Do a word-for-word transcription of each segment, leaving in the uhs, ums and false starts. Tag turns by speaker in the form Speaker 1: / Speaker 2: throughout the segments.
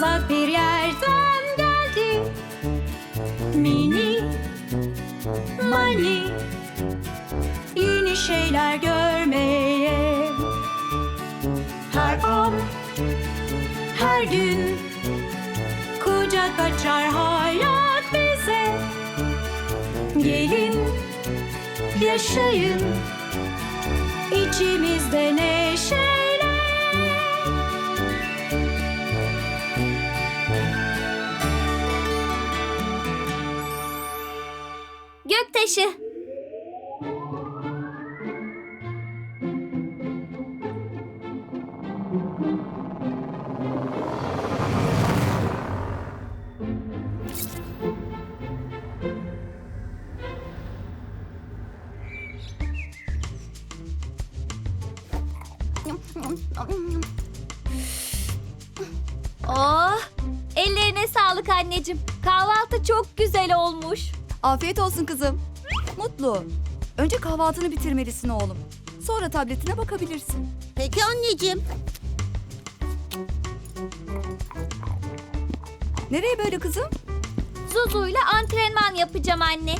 Speaker 1: uzak bir yerden geldi. Mini Mani, yeni şeyler görmeye. Her an, her gün kucak açar hayat bize. Gelin, yaşayın içimizde neşeyle.
Speaker 2: Göktaşı. Oh, ellerine sağlık anneciğim. Kahvaltı çok güzel olmuş.
Speaker 3: Afiyet olsun kızım. Mutlu. Önce kahvaltını bitirmelisin oğlum. Sonra tabletine bakabilirsin.
Speaker 4: Peki anneciğim.
Speaker 3: Nereye böyle kızım?
Speaker 2: Zuzu'yla antrenman yapacağım anne.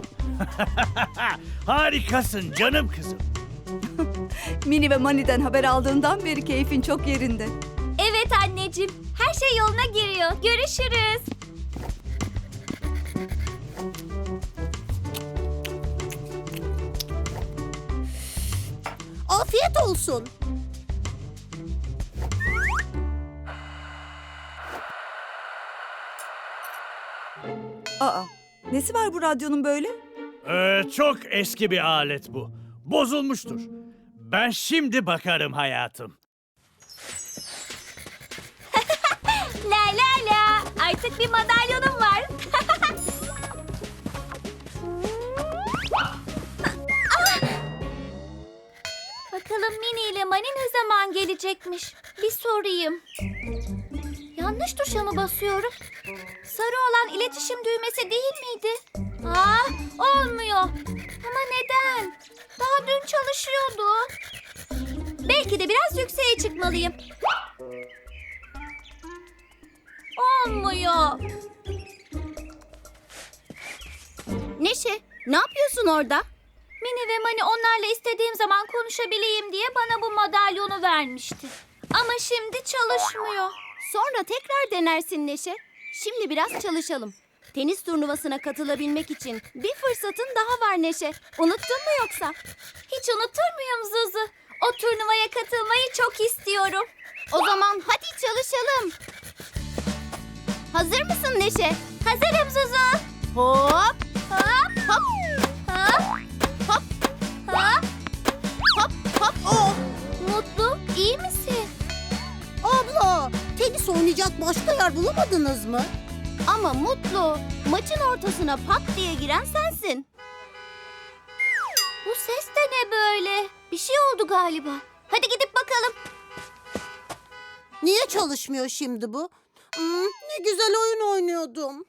Speaker 5: Harikasın canım kızım.
Speaker 3: Mini ve Mani'den haber aldığından beri keyfin çok yerinde.
Speaker 2: Evet anneciğim. Her şey yoluna giriyor. Görüşürüz.
Speaker 4: Afiyet olsun.
Speaker 3: Aa, nesi var bu radyonun böyle?
Speaker 5: Ee, çok eski bir alet bu. Bozulmuştur. Ben şimdi bakarım hayatım.
Speaker 2: La la la. Artık bir madalyonum var. Ah! Bakalım Mini ile Mani ne zaman gelecekmiş? Bir sorayım. Yanlış tuşa mı basıyorum? Sarı olan iletişim düğmesi değil miydi? Aa, olmuyor. Ama neden? Daha dün çalışıyordu. Belki de biraz yükseğe çıkmalıyım. Olmuyor.
Speaker 4: Neşe, ne yapıyorsun orada?
Speaker 2: Mini ve Mani onlarla istediğim zaman konuşabileyim diye bana bu madalyonu vermişti. Ama şimdi çalışmıyor.
Speaker 4: Sonra tekrar denersin Neşe. Şimdi biraz çalışalım. Tenis turnuvasına katılabilmek için bir fırsatın daha var Neşe. Unuttun mu yoksa?
Speaker 2: Hiç unutur muyum Zuzu? O turnuvaya katılmayı çok istiyorum.
Speaker 4: O zaman hadi çalışalım. Hazır mısın Neşe?
Speaker 2: Hazırım Zuzu.
Speaker 4: Hop,
Speaker 2: Hop
Speaker 4: hop,
Speaker 2: hop
Speaker 4: hop,
Speaker 2: hop.
Speaker 4: hop, hop. Oh,
Speaker 2: Mutlu, iyi misin?
Speaker 4: abla, tenis oynayacak başka yer bulamadınız mı? Ama Mutlu, maçın ortasına pat diye giren sensin.
Speaker 2: Bu ses de ne böyle? Bir şey oldu galiba. Hadi gidip bakalım.
Speaker 4: Niye çalışmıyor şimdi bu? Hmm, ne güzel oyun oynuyordum.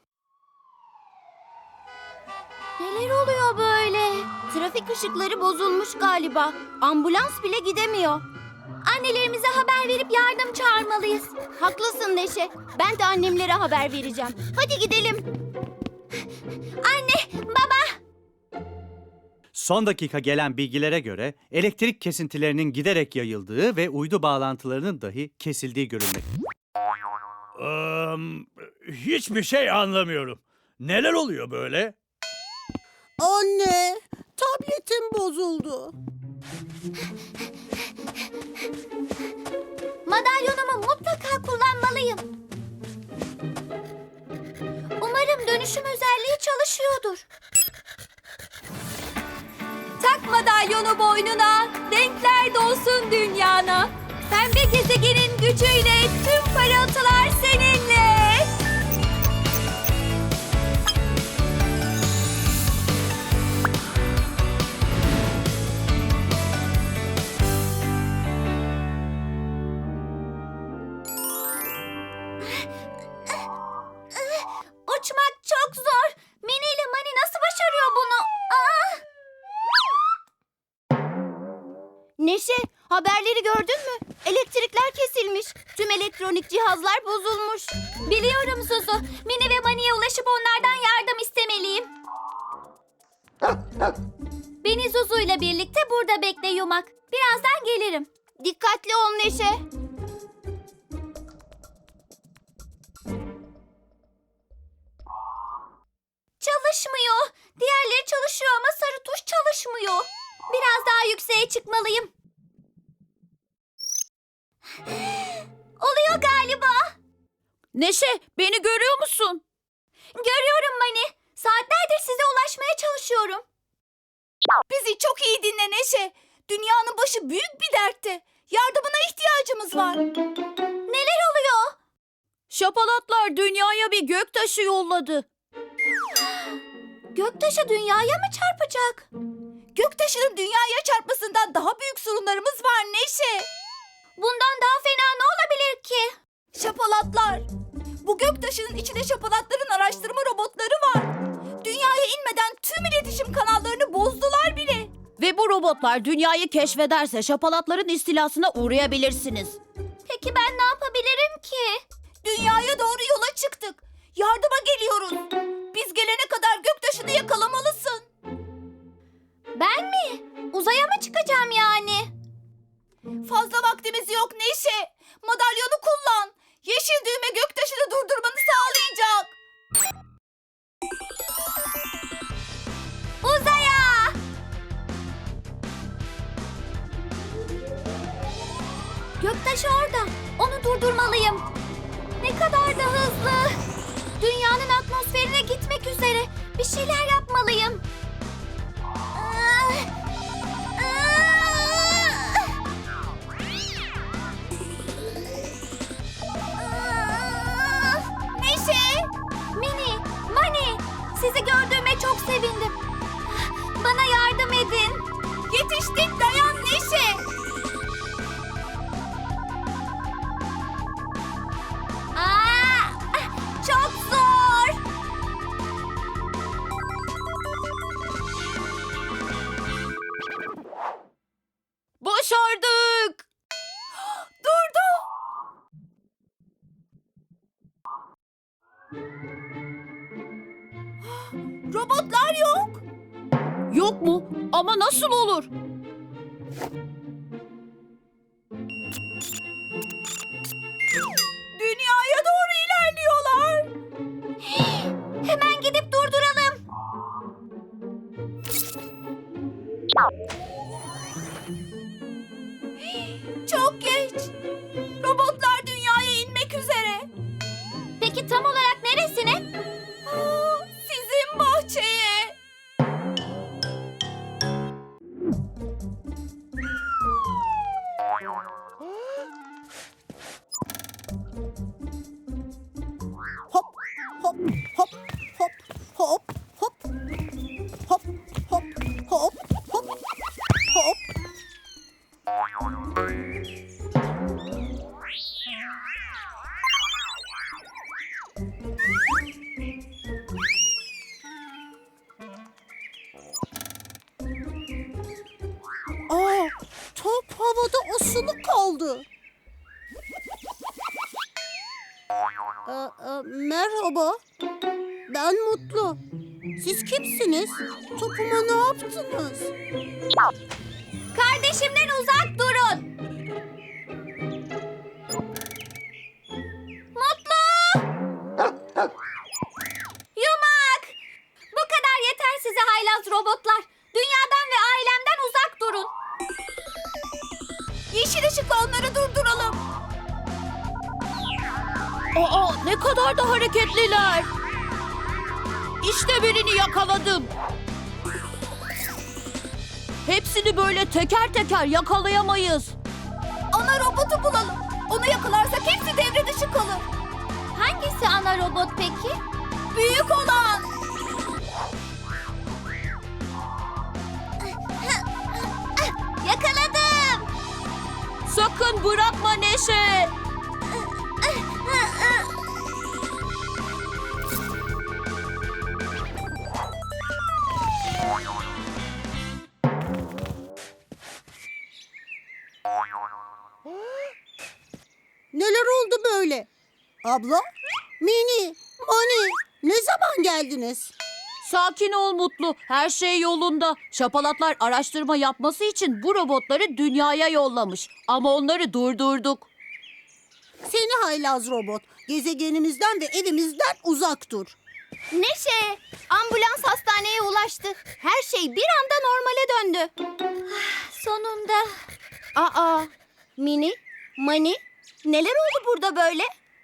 Speaker 2: Neler oluyor böyle?
Speaker 4: Trafik ışıkları bozulmuş galiba. Ambulans bile gidemiyor.
Speaker 2: Annelerimize haber verip yardım çağırmalıyız.
Speaker 4: Haklısın Neşe. Ben de annemlere haber vereceğim. Hadi gidelim.
Speaker 2: Anne, baba.
Speaker 6: Son dakika gelen bilgilere göre elektrik kesintilerinin giderek yayıldığı ve uydu bağlantılarının dahi kesildiği görülmekte.
Speaker 5: Ee, hiçbir şey anlamıyorum. Neler oluyor böyle?
Speaker 4: Anne, tabletim bozuldu.
Speaker 2: Madalyonumu mutlaka kullanmalıyım. Umarım dönüşüm özelliği çalışıyordur. Tak madalyonu boynuna, renkler dolsun dünyana. Pembe gezegenin gücüyle tüm parıltılar seninle. Uçmak çok zor. Mini ile Mani nasıl başarıyor bunu? Aa!
Speaker 4: Neşe, haberleri gördün mü? Elektrikler kesilmiş. Tüm elektrik elektronik cihazlar bozulmuş.
Speaker 2: Biliyorum Zuzu. Mini ve Mani'ye ulaşıp onlardan yardım istemeliyim. Beni Zuzu ile birlikte burada bekle Yumak. Birazdan gelirim.
Speaker 4: Dikkatli ol Neşe.
Speaker 2: Çalışmıyor. Diğerleri çalışıyor ama sarı tuş çalışmıyor. Biraz daha yükseğe çıkmalıyım. Oluyor galiba.
Speaker 1: Neşe, beni görüyor musun?
Speaker 2: Görüyorum Mani. Saatlerdir size ulaşmaya çalışıyorum.
Speaker 3: Bizi çok iyi dinle Neşe. Dünyanın başı büyük bir dertte. Yardımına ihtiyacımız var.
Speaker 2: Neler oluyor?
Speaker 1: Şapalatlar dünyaya bir göktaşı yolladı.
Speaker 2: Göktaşı dünyaya mı çarpacak?
Speaker 3: Göktaşının dünyaya çarpmasından daha büyük sorunlarımız var Neşe.
Speaker 2: Bundan daha fena ne olabilir ki?
Speaker 3: Şapalatlar. Bu göktaşının içinde şapalatların araştırma robotları var. Dünyaya inmeden tüm iletişim kanallarını bozdular bile.
Speaker 1: Ve bu robotlar dünyayı keşfederse şapalatların istilasına uğrayabilirsiniz.
Speaker 2: Peki ben ne yapabilirim ki?
Speaker 3: Dünyaya doğru yola çıktık. Yardıma geliyoruz. Biz gelene kadar göktaşını yakalamalısın.
Speaker 2: Ben mi? Uzaya mı çıkacağım yani?
Speaker 3: Fazla vaktimiz yok Neşe. Madalyonu kullan. Yeşil düğme göktaşını durdurmanı sağlayacak.
Speaker 2: Uzaya! Göktaşı orada. Onu durdurmalıyım. Ne kadar da hızlı. Dünyanın atmosferine gitmek üzere. Bir şeyler yapmalıyım. Ah! Ah! Ah!
Speaker 3: Neşe.
Speaker 2: Mini, Mani, sizi gördüğüme çok sevindim. Bana yardım edin.
Speaker 3: Yetiştik, dayan Neşe.
Speaker 2: Aa, çok zor.
Speaker 1: Başardık.
Speaker 3: Durdu. Robotlar yok.
Speaker 1: Yok mu? Ama nasıl olur?
Speaker 3: Dünyaya doğru ilerliyorlar.
Speaker 2: Hemen gidip durduralım.
Speaker 3: Çok geç. Robotlar dünyaya inmek üzere.
Speaker 2: Peki tam olarak neresine?
Speaker 3: Aa, sizin bahçeye. Hop hop hop hop hop hop hop hop hop hop hop. Aa, top havada asılı kaldı. Ee, e, merhaba. Ben Mutlu. Siz kimsiniz? Topuma ne yaptınız?
Speaker 2: Kardeşimden uzak durun. Mutlu! Yumak! Bu kadar yeter size haylaz robotlar. Dünyadan ve ailemden uzak durun.
Speaker 3: Yeşil ışıkla onları durduralım.
Speaker 1: Aa, ne kadar da hareketliler. İşte birini yakaladım. Hepsini böyle teker teker yakalayamayız.
Speaker 3: Ana robotu bulalım. Onu yakalarsak hepsi devre dışı kalır.
Speaker 2: Hangisi ana robot peki?
Speaker 3: Büyük olan.
Speaker 2: Yakaladım.
Speaker 1: Sakın bırakma Neşe.
Speaker 3: Neler oldu
Speaker 7: Abla, Mini, Mani ne zaman geldiniz?
Speaker 1: Sakin ol Mutlu. Her şey yolunda. Şapalatlar araştırma yapması için bu robotları dünyaya yollamış. Ama onları durdurduk.
Speaker 7: Seni haylaz robot. Gezegenimizden ve evimizden uzak dur.
Speaker 4: Neşe, ambulans hastaneye ulaştı. Her şey bir anda normale döndü.
Speaker 2: Sonunda.
Speaker 4: Aa, Mini, Mani, neler oldu burada böyle?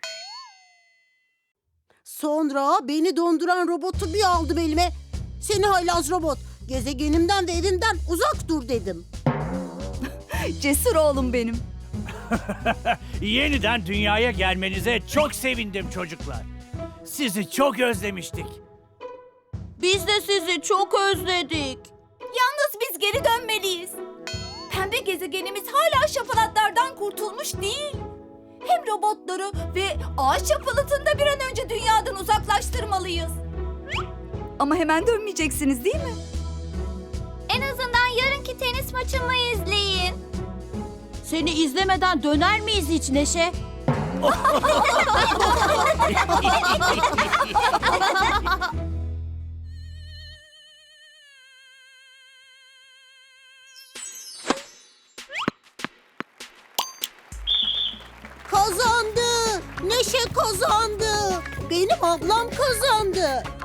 Speaker 7: Sonra beni donduran robotu bir aldım elime. Seni haylaz robot. Gezegenimden ve evimden uzak dur dedim.
Speaker 3: Cesur oğlum benim.
Speaker 5: Yeniden dünyaya gelmenize çok sevindim çocuklar. Sizi çok özlemiştik.
Speaker 1: Biz de sizi çok özledik.
Speaker 3: Yalnız biz geri dönmeliyiz. Pembe gezegenimiz hala şapalatlardan kurtulmuş değil. Hem robotları ve ağaç şapalatını da bir an önce dünyadan uzaklaştırmalıyız. Ama hemen dönmeyeceksiniz değil mi?
Speaker 2: En azından yarınki tenis maçımı izleyin.
Speaker 1: Seni izlemeden döner miyiz hiç Neşe?
Speaker 7: Kazandı. Neşe kazandı. Benim ablam kazandı.